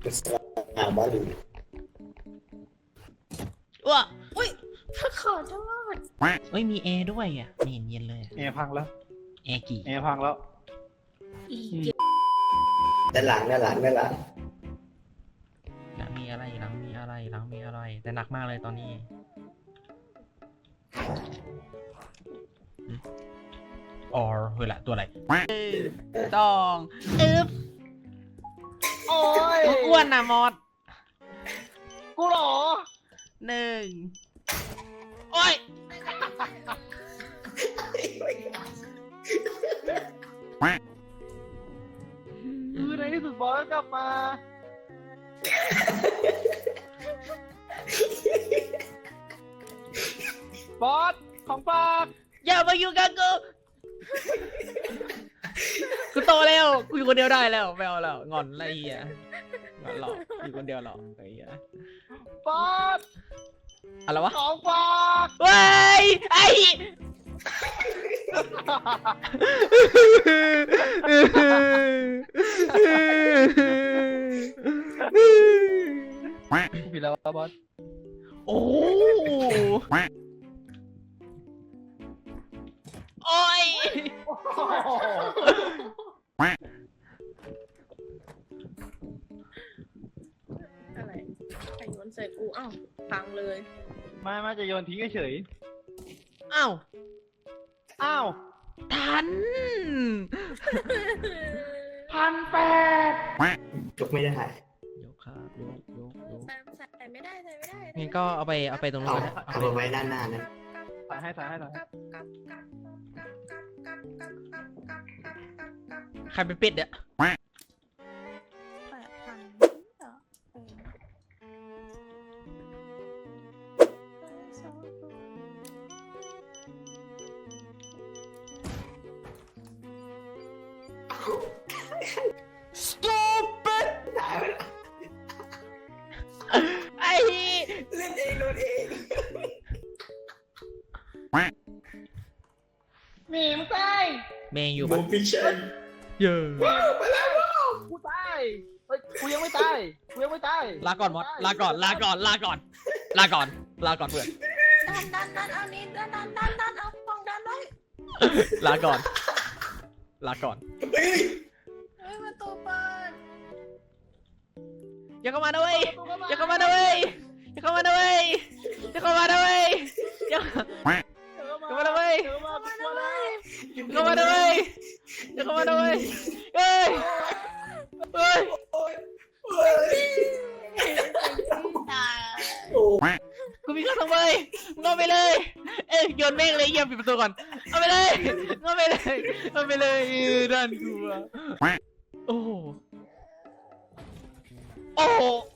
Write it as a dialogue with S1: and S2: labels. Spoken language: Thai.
S1: บอลลูน
S2: ว้า
S3: อุ้ยขอโทษ
S2: เอ้ยมีแอร์ด้วยอ่ะไม่เห็นเย็นเลย
S4: แอร์พังแล้ว
S2: แอร์กี่
S4: แอร์พังแล้ว
S3: อีก
S1: ด้านหลังด้านหลังด้านหลัง
S2: หลังมีอะไรหลังมีอะไรหลังมีอะไรแต่หนักมากเลยตอนนี้ออเฮ้ยละตัวอะไรต้องอึ๊บ
S4: โอ้ย
S2: อ้วนนะมอส
S4: กูเหรอ
S2: หนึ่งโอ้ย
S4: ในที่สุดบอสก็กลับมา บอสของฝาก
S2: อย่ามาอยู่กับกูกูโตแล้วกูอยู่คนเดียวได้แล้วไม่เอาแล้วงอนอะไรเหี้ยงอนหรอกอยู่คนเดียวหรอกไอ้เหี้ย
S4: บอส
S2: อะไรวะ
S4: ของฝาก
S2: เว้ยไอ้
S4: ผิดแล้วบอส
S2: โอ้โอ้ย
S3: อะไรใครโยนใส่กูอ้าวพังเลย
S4: ไม่จะโยนทิ้งเฉย
S2: อ้าว
S4: อ้าว
S2: ทัน
S4: 1,800
S1: ยกไม่ได้
S2: ยกครับยก
S3: ใส่ไม่ได้ใส่ไม่ได้
S2: งั้นก็เอาไปตรงนู้นก็ได้
S1: เอาไว้ด้านหน้านั้น
S4: ใส่ให้
S2: ใครไปปิดเนี่ย stupid ไอ้
S1: เล่นเองโดนเอง
S4: หมีมึงตาย
S2: เมย์อยู่
S1: บู
S2: ปะ
S1: มพิชชั่น
S2: เยอะ
S1: ไปแล้ว
S4: กูตายเฮ้ยกูยังไม่ตาย
S2: ลาก่อนมอสลาก่อนเพื่อน
S3: ดันเอานี่ดันเอาฟองดันไว้
S2: ลาก่อน
S1: เฮ้ย
S3: เฮ้ยประตูเปิด
S2: อย่าเข้ามานะเว้ยอย่าเข้ามานะเว้ยอย่าเข้ามานะเว้ยอย่าเข้ามานะเว้ยอย่าเข้ามานะเว้ยเข้ามานะเว้ยอย่าเข้ามานะเว้ยเฮ้ยเฮ้ย
S1: โอ้ยโอ้ย
S3: ตาย
S1: โอ้ย
S2: กูมีข้าวสองใบมึงเอาไปเลยเอ้ยโยนแม่งเลยเยี่ยมปิดประตูก่อนเอาไปเลยด้านกูอะโอ้โห